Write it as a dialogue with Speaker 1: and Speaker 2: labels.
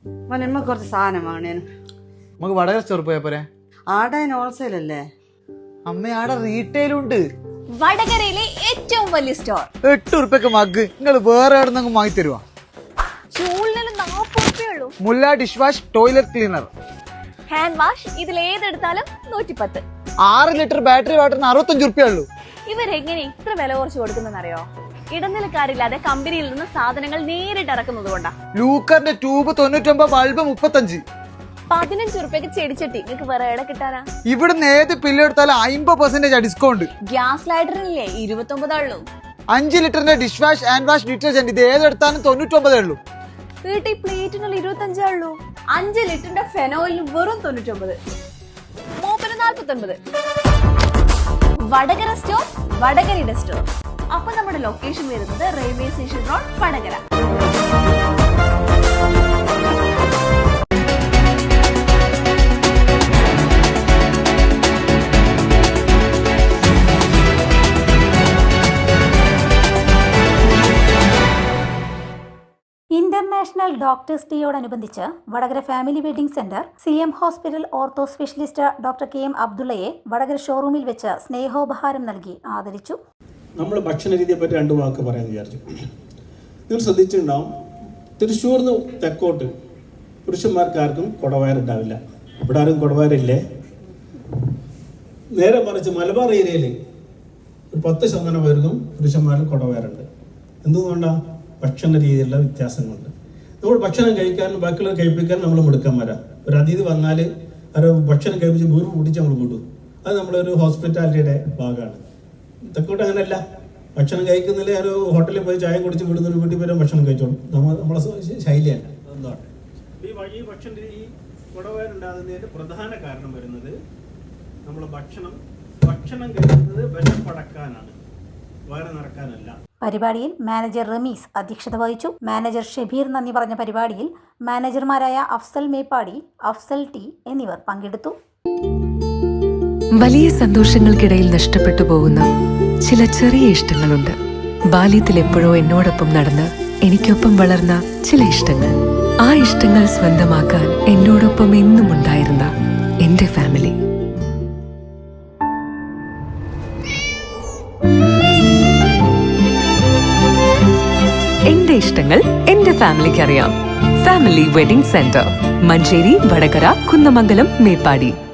Speaker 1: മോനെ കുറച്ച് സാധനം വാങ്ങണേനു.
Speaker 2: നമുക്ക് വടകര സ്റ്റോർ പോയാ പോരെ?
Speaker 1: ആടെ ഹോൾസെയിൽ അല്ലേ
Speaker 2: അമ്മ? ആടെ റീറ്റെയിലും ഉണ്ട്.
Speaker 3: വടകരയിലെ ഏറ്റവും വലിയ സ്റ്റോർ.
Speaker 2: 8 ഉറുപ്പ്യക്ക് മഗ് നിങ്ങൾ വേറെ എവിടെ നിന്ന് വാങ്ങി തരുവാ?
Speaker 3: ചൂളിന് 40 ഉറുപ്പ്യുള്ളൂ.
Speaker 2: മുല്ല dish wash toilet cleaner,
Speaker 3: hand wash ഇതിൽ ഏതെടുത്താലും 110.
Speaker 2: 6 ലിറ്റർ ബാറ്ററി വാട്ടറിന് 65 ഉറുപ്പ്യ ഉള്ളൂ.
Speaker 3: ഇവരെങ്ങനെ ഇത്ര വില കുറച്ച് കൊടുക്കുന്നറിയോ? ഇടനിലക്കാരില്ലാതെ കമ്പനിയിൽ നിന്ന് സാധനങ്ങൾ നേരിട്ട് ഇറക്കുന്നത് കൊണ്ടാ.
Speaker 2: ലൂക്കറിന്റെ ട്യൂബ് 99, ബൾബ് 35.
Speaker 3: 15 ഉറുപ്പ്യക്ക് ചെടിച്ചട്ടി നിങ്ങൾക്ക് വേറെ എവിടെ കിട്ടാനാ?
Speaker 2: ഇവിടുന്ന് ഏത് പില്ല് എടുത്താലും 50% ഡിസ്കൗണ്ട്.
Speaker 3: ഗ്യാസ് ലൈറ്ററിനില്ലേ 29 ഉള്ളൂ.
Speaker 2: 5 ലിറ്ററിന്റെ dish wash hand wash detergent ഇത് ഏതെടുത്താലും 99 ഉള്ളൂ.
Speaker 3: വീട്ടിൽ പ്ലേറ്റിനുള്ള 25 ഉള്ളൂ. 5 ലിറ്ററിന്റെ ഫെനോയിലിന് വെറും 99. മൂപ്പിന് 49. വടകര സ്റ്റോർ, വടകരയുടെ സ്റ്റോർ. അപ്പൊ നമ്മുടെ ലൊക്കേഷൻ വരുന്നത് railway station road, Vadakara.
Speaker 4: International doctors ഡേയോടനുബന്ധിച്ച് Vadakara family wedding centre CM hospital ortho specialist doctor KM അബ്ദുള്ളയെ വടകര ഷോറൂമിൽ വെച്ച് സ്നേഹോപഹാരം നൽകി ആദരിച്ചു.
Speaker 5: നമ്മൾ ഭക്ഷണ രീതിയെ പറ്റി 2 വാക്ക് പറയാൻ വിചാരിച്ചു. നിങ്ങൾ ശ്രദ്ധിച്ചിട്ടുണ്ടാവും, തൃശ്ശൂർന്ന് തെക്കോട്ട് പുരുഷന്മാർക്കാർക്കും കുടവയറുണ്ടാവില്ല. ഇവിടെ ആരും കുടവയറില്ലേ? നേരെ മറിച്ച് മലബാർ ഏരിയയിൽ ഒരു 10% പേർക്കും പുരുഷന്മാരിൽ കുടവയറുണ്ട്. എന്തുകൊണ്ടാണ്? ഭക്ഷണ രീതിയിലുള്ള വ്യത്യാസങ്ങളുണ്ട്. നമ്മൾ ഭക്ഷണം കഴിക്കാനും ബാക്കിയുള്ളവർ കഴിപ്പിക്കാനും നമ്മൾ മിടുക്കന്മാരാ. ഒരു അതിഥി വന്നാൽ അത് ഭക്ഷണം കഴിപ്പിച്ച് വീർപ്പ് പിടിച്ച് നമ്മൾ വിടും. അത് നമ്മളൊരു ഹോസ്പിറ്റാലിറ്റിയുടെ ഭാഗമാണ്. തെക്കോട്ട് അങ്ങനെയല്ല. ഭക്ഷണം കഴിക്കുന്നില്ല, ഒരു ഹോട്ടലിൽ പോയി ചായ കുടിച്ച് വിടുന്നൊരു വീട്ടിൽ പോലും ഭക്ഷണം കഴിച്ചോളും. നമ്മളെ ശൈലിയല്ല. എന്താണ് ഈ ഭക്ഷണ ഈ കുടവയറുണ്ടാകുന്നതിന്റെ പ്രധാന കാരണം വരുന്നത് നമ്മൾ ഭക്ഷണം കഴിക്കുന്നത് വിശപ്പടക്കാനാണ്, വയറ് നിറക്കാനല്ല.
Speaker 4: പരിപാടിയിൽ മാനേജർ റമീസ് അധ്യക്ഷത വഹിച്ചു. മാനേജർ ഷബീർ നന്ദി പറഞ്ഞ പരിപാടിയിൽ മാനേജർമാരായ അഫ്സൽ മേപ്പാടി, അഫ്സൽ ടി എന്നിവർ പങ്കെടുത്തു.
Speaker 6: വലിയ സന്തോഷങ്ങൾക്കിടയിൽ നഷ്ടപ്പെട്ടു പോകുന്ന ചില ചെറിയ ഇഷ്ടങ്ങളുണ്ട്. ബാല്യത്തിൽ എപ്പോഴോ എന്നോടൊപ്പം നടന്ന് എനിക്കൊപ്പം വളർന്ന ചില ഇഷ്ടങ്ങൾ. ആ ഇഷ്ടങ്ങൾ സ്വന്തമാക്കാൻ എന്നോടൊപ്പം എന്നും ഉണ്ടായിരുന്ന എന്റെ ഫാമിലി. എന്റെ ഇഷ്ടങ്ങൾ എന്റെ ഫാമിലിക്ക് അറിയാം. Family wedding centre, Manjeri, Vadakara, Kunnamangalam, Meppadi.